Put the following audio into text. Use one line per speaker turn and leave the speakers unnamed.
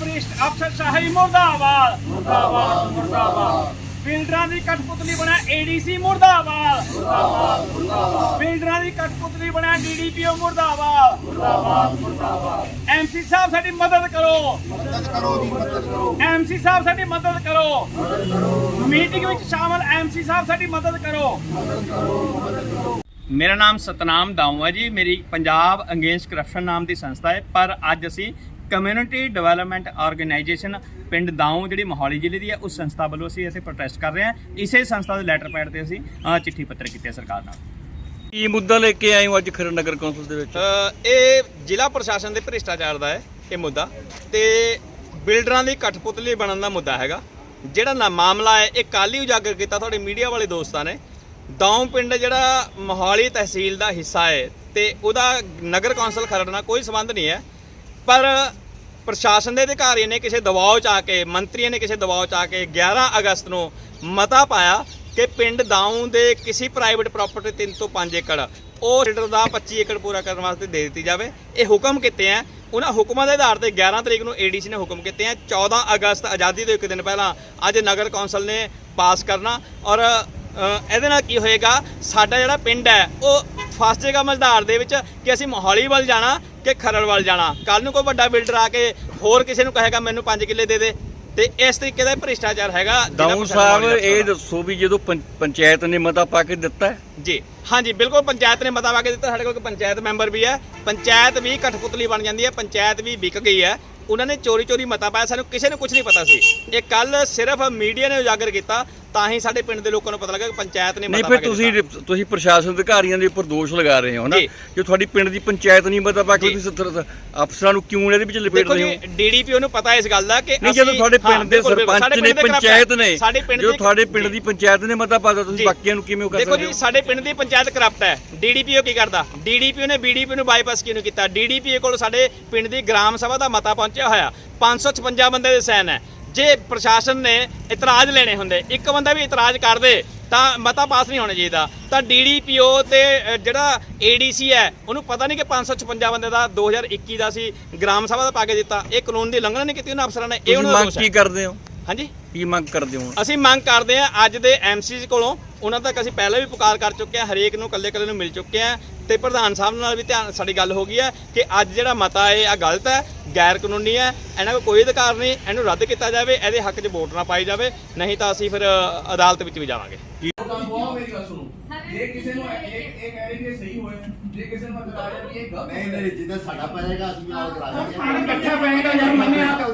ਭ੍ਰਿਸ਼ਟ ਅਫਸਰਸ਼ਾਹੀ ਮੁਰਦਾਬਾਦ ਮੁਰਦਾਬਾਦ ਮੁਰਦਾਬਾਦ। ਬਿਲਡਰਾਂ ਦੀ ਕਠਪੁਤਲੀ ਬਣਿਆ ਏਡੀਸੀ ਮੁਰਦਾਬਾਦ ਮੁਰਦਾਬਾਦ ਮੁਰਦਾਬਾਦ। ਬਿਲਡਰਾਂ ਦੀ ਕਠਪੁਤਲੀ ਬਣਿਆ ਡੀਡੀਪੀਓ ਮੁਰਦਾਬਾਦ ਮੁਰਦਾਬਾਦ ਮੁਰਦਾਬਾਦ। ਐਮਸੀ ਸਾਹਿਬ ਸਾਡੀ ਮਦਦ ਕਰੋ,
ਮਦਦ ਕਰੋ ਜੀ, ਮਦਦ ਕਰੋ।
ਐਮਸੀ ਸਾਹਿਬ ਸਾਡੀ ਮਦਦ ਕਰੋ। ਮੀਟਿੰਗ ਵਿੱਚ ਸ਼ਾਮਲ ਐਮਸੀ ਸਾਹਿਬ ਸਾਡੀ ਮਦਦ ਕਰੋ। ਮੇਰਾ ਨਾਮ ਸਤਨਾਮ ਦਾਊ ਹੈ ਜੀ। ਮੇਰੀ ਪੰਜਾਬ ਅਗੇਂਸਟ ਕਰਪਸ਼ਨ ਨਾਮ ਦੀ ਸੰਸਥਾ ਹੈ, ਪਰ ਅੱਜ ਅਸੀਂ ਕਮਿਊਨਿਟੀ ਡਿਵੈਲਪਮੈਂਟ ਆਰਗੇਨਾਈਜੇਸ਼ਨ ਪਿੰਡ ਦਾਊ ਜਿਹੜੀ ਮੋਹਾਲੀ ਜ਼ਿਲ੍ਹੇ ਦੀ ਹੈ ਉਸ ਸੰਸਥਾ ਵੱਲੋਂ ਅਸੀਂ ਇੱਥੇ ਪ੍ਰੋਟੈਸਟ ਕਰ ਰਹੇ ਹਾਂ। ਇਸੇ ਸੰਸਥਾ ਦੇ ਲੈਟਰ ਪੈਡ ਤੇ ਅਸੀਂ ਚਿੱਠੀ ਪੱਤਰ ਕੀਤੇ ਸਰਕਾਰ ਨਾਲ।
ਕੀ ਮੁੱਦਾ ਲੈ ਕੇ ਆਏ ਹੋ ਅੱਜ ਖਰੜ ਨਗਰ ਕੌਂਸਲ ਦੇ ਵਿੱਚ?
ਇਹ ਜ਼ਿਲ੍ਹਾ ਪ੍ਰਸ਼ਾਸਨ ਦੇ ਭ੍ਰਿਸ਼ਟਾਚਾਰ ਦਾ ਹੈ ਇਹ ਮੁੱਦਾ, ਤੇ ਬਿਲਡਰਾਂ ਦੀ ਕਠਪੁਤਲੀ ਬਣਨ ਦਾ ਮੁੱਦਾ ਹੈਗਾ। ਜਿਹੜਾ ਮਾਮਲਾ ਹੈ ਇਹ ਕੱਲ੍ਹ ਹੀ ਉਜਾਗਰ ਕੀਤਾ ਤੁਹਾਡੇ ਮੀਡੀਆ ਵਾਲੇ ਦੋਸਤਾਂ ਨੇ। ਦਾਊ ਪਿੰਡ ਜਿਹੜਾ ਮੋਹਾਲੀ ਤਹਿਸੀਲ ਦਾ ਹਿੱਸਾ ਹੈ ਤੇ ਉਹਦਾ ਨਗਰ ਕੌਂਸਲ ਖਰੜ ਨਾਲ ਕੋਈ ਸੰਬੰਧ ਨਹੀਂ ਹੈ, ਪਰ ਪ੍ਰਸ਼ਾਸਨ ਦੇ ਅਧਿਕਾਰੀ ਨੇ ਕਿਸੇ ਦਬਾਅ 'ਚ ਆ ਕੇ, ਮੰਤਰੀਆਂ ਨੇ ਕਿਸੇ ਦਬਾਅ 'ਚ ਆ ਕੇ 11 ਅਗਸਤ ਨੂੰ ਮਤਾ ਪਾਇਆ ਕਿ ਪਿੰਡ ਦਾਊ ਦੇ ਕਿਸੇ ਪ੍ਰਾਈਵੇਟ ਪ੍ਰਾਪਰਟੀ 3 ਤੋਂ 5 ਏਕੜ ਉਹ ਰੇਡਰ ਦਾ 25 ਏਕੜ ਪੂਰਾ ਕਰਨ ਵਾਸਤੇ ਦੇ ਦਿੱਤੀ ਜਾਵੇ। ਇਹ ਹੁਕਮ ਕੀਤੇ ਆ। ਉਹਨਾਂ ਹੁਕਮਾਂ ਦੇ ਆਧਾਰ ਤੇ 11 ਤਰੀਕ ਨੂੰ ਏਡੀਸੀ ਨੇ ਹੁਕਮ ਕੀਤੇ ਆ। 14 ਅਗਸਤ ਆਜ਼ਾਦੀ ਤੋਂ ਇੱਕ ਦਿਨ ਪਹਿਲਾਂ ਅੱਜ ਨਗਰ ਕੌਂਸਲ ਨੇ ਪਾਸ ਕਰਨਾ, ਔਰ ਇਹਦੇ ਨਾਲ ਕੀ ਹੋਏਗਾ, ਸਾਡਾ ਜਿਹੜਾ ਪਿੰਡ ਹੈ ਉਹ ਫਸ ਜਾਏਗਾ ਮਝਦਾਰ ਦੇ ਵਿੱਚ ਕਿ ਅਸੀਂ ਮੋਹਾਲੀ ਵੱਲ ਜਾਣਾ ਕਿ ਖਰੜ ਵੱਲ ਜਾਣਾ। ਕੱਲ ਨੂੰ ਕੋਈ ਵੱਡਾ ਬਿਲਡਰ ਆ ਕੇ ਹੋਰ ਕਿਸੇ ਨੂੰ ਕਹੇਗਾ ਮੈਨੂੰ 5 ਕਿੱਲੇ ਦੇ ਦੇ, ਤੇ ਇਸ ਤਰੀਕੇ ਦਾ ਭ੍ਰਿਸ਼ਟਾਚਾਰ ਹੈਗਾ।
ਦਾਊ ਸਾਹਿਬ ਇਹ ਦੱਸੋ ਵੀ ਜਦੋਂ ਪੰਚਾਇਤ ਨੇ ਮਤਾ ਪਾ ਕੇ ਦਿੱਤਾ ਹੈ?
ਜੀ ਹਾਂਜੀ ਬਿਲਕੁਲ, ਪੰਚਾਇਤ ਨੇ ਮਤਾ ਪਾ ਕੇ ਦਿੱਤਾ। ਸਾਡੇ ਕੋਲ ਪੰਚਾਇਤ ਮੈਂਬਰ ਵੀ ਹੈ। ਪੰਚਾਇਤ ਵੀ ਕਠਪੁਤਲੀ ਬਣ ਜਾਂਦੀ ਹੈ, ਪੰਚਾਇਤ ਵੀ ਵਿਕ ਗਈ ਹੈ। ਉਹਨਾਂ ਨੇ ਚੋਰੀ ਮਤਾ ਪਾਇਆ, ਸਾਨੂੰ ਕਿਸੇ ਨੂੰ ਕੁਝ ਨਹੀਂ ਪਤਾ ਸੀ। ਇਹ ਕੱਲ ਸਿਰਫ ਮੀਡੀਆ ਨੇ ਉਜਾਗਰ ਕੀਤਾ ਤਾਂ ਹੀ ਸਾਡੇ ਪਿੰਡ ਦੇ ਲੋਕਾਂ ਨੂੰ ਪਤਾ ਲੱਗਾ ਕਿ ਪੰਚਾਇਤ ਨੇ ਮਤਾ ਪਾ ਕੇ ਦਿੱਤਾ।
ਨਹੀਂ, ਫਿਰ ਤੁਸੀਂ ਪ੍ਰਸ਼ਾਸਨ ਅਧਿਕਾਰੀਆਂ ਦੇ ਉੱਪਰ ਦੋਸ਼ ਲਗਾ ਰਹੇ ਹੋ ਨਾ, ਜੋ ਤੁਹਾਡੀ ਪਿੰਡ ਦੀ ਪੰਚਾਇਤ ਨਹੀਂ ਮਤਾ ਪਾ ਕੇ ਤੁਸੀਂ ਅਫਸਰਾਂ ਨੂੰ ਕਿਉਂ ਇਹਦੇ ਵਿੱਚ ਲਪੇਟ ਰਹੇ ਹੋ?
ਡੀਡੀਪੀਓ ਨੂੰ ਪਤਾ ਇਸ ਗੱਲ ਦਾ ਕਿ
ਨਹੀਂ, ਜਦੋਂ ਤੁਹਾਡੇ ਪਿੰਡ ਦੇ ਸਰਪੰਚ ਨੇ, ਪੰਚਾਇਤ ਨੇ, ਜੋ ਤੁਹਾਡੇ ਪਿੰਡ ਦੀ ਪੰਚਾਇਤ ਨੇ ਮਤਾ ਪਾਤਾ, ਤੁਸੀਂ ਬਾਕੀਆਂ ਨੂੰ ਕਿਵੇਂ ਕਰ ਸਕਦੇ ਹੋ?
ਦੇਖੋ ਜੀ, ਸਾਡੇ ਪਿੰਡ ਦੀ ਪੰਚਾਇਤ ਕਰਪਟ ਹੈ। ਡੀਡੀਪੀਓ ਕੀ ਕਰਦਾ? ਡੀਡੀਪੀਓ ਨੇ ਬੀਡੀਪੀਓ ਨੂੰ ਬਾਈਪਾਸ ਕਿਉਂ ਕੀਤਾ? ਡੀਡੀਪੀਓ ਕੋਲ ਸਾਡੇ ਪਿੰਡ ਦੀ ਗ੍ਰਾਮ ਸਭਾ ਦਾ ਮਤਾ ਪਹੁੰਚਿਆ ਹੋਇਆ, 556 ਬੰਦੇ ਦੇ ਸਾਈਨ ਹੈ। ਜੇ ਪ੍ਰਸ਼ਾਸਨ ਨੇ ਇਤਰਾਜ਼ ਲੈਣੇ ਹੁੰਦੇ, ਇੱਕ ਬੰਦਾ ਵੀ ਇਤਰਾਜ਼ ਕਰਦੇ ਤਾਂ ਮਤਾ ਪਾਸ ਨਹੀਂ ਹੋਣਾ ਚਾਹੀਦਾ। ਤਾਂ ਡੀਡੀਪੀਓ ਤੇ ਜਿਹੜਾ ਏਡੀਸੀ ਹੈ ਉਹਨੂੰ ਪਤਾ ਨਹੀਂ ਕਿ 556 ਬੰਦੇ ਦਾ 2021 ਦਾ ਸੀ ਗ੍ਰਾਮ ਸਭਾ ਦਾ ਪਾ ਕੇ ਦਿੱਤਾ। ਇਹ ਕਾਨੂੰਨ ਦੀ ਉਲੰਘਣਾ ਨਹੀਂ ਕੀਤੀ ਉਹਨਾਂ ਅਫਸਰਾਂ ਨੇ। ਇਹ ਉਹਨਾਂ ਦਾ ਦੋਸ਼ ਹੈ।
ਕੀ ਕਰਦੇ ਹੋ?
ਹਾਂਜੀ,
ਕੀ ਮੰਗ ਕਰਦੇ ਹੋ?
ਅਸੀਂ ਮੰਗ ਕਰਦੇ ਹਾਂ ਅੱਜ ਦੇ ਐਮਸੀ ਕੋਲੋਂ। ਉਹਨਾਂ ਤੱਕ ਅਸੀਂ ਪਹਿਲਾਂ ਵੀ ਪੁਕਾਰ ਕਰ ਚੁੱਕੇ ਹਾਂ, ਹਰੇਕ ਨੂੰ ਕੱਲੇ ਨੂੰ ਮਿਲ ਚੁੱਕੇ ਹਾਂ, ਤੇ ਪ੍ਰਧਾਨ ਸਾਹਿਬ ਨਾਲ ਵੀ ਸਾਡੀ ਗੱਲ ਹੋ ਗਈ ਹੈ ਕਿ ਅੱਜ ਜਿਹੜਾ ਮਤਾ ਹੈ ਆ ਗਲਤ ਹੈ, ਗੈਰ ਕਾਨੂੰਨੀ ਹੈ, ਇਹਨਾਂ ਕੋਲ ਕੋਈ ਅਧਿਕਾਰ ਨਹੀਂ। ਇਹਨੂੰ ਰੱਦ ਕੀਤਾ ਜਾਵੇ, ਇਹਦੇ ਹੱਕ 'ਚ ਵੋਟ ਨਾ ਪਾਈ ਜਾਵੇ, ਨਹੀਂ ਤਾਂ ਅਸੀਂ ਫਿਰ ਅਦਾਲਤ ਵਿੱਚ ਵੀ ਜਾਵਾਂਗੇ।
ਮੇਰੀ ਗੱਲ ਸੁਣੋ, ਜੇ ਕਿਸੇ ਨੂੰ ਇਹ ਕਹਿ ਰਹੇ ਕਿ ਸਹੀ ਹੋਏ, ਜੇ ਕਿਸੇ ਨੂੰ ਬਤਾ ਰਹੇ ਕਿ ਇਹ ਗਲਤ ਹੈ,
ਨਹੀਂ ਜਿੱਦਾਂ ਸਾਡਾ ਪਏਗਾ ਅਸੀਂ ਨਾਲ ਕਰਾ ਦਾਂਗੇ।
ਇਕੱਠਾ ਪਏਗਾ ਯਾਰ ਮੰਨਿਆ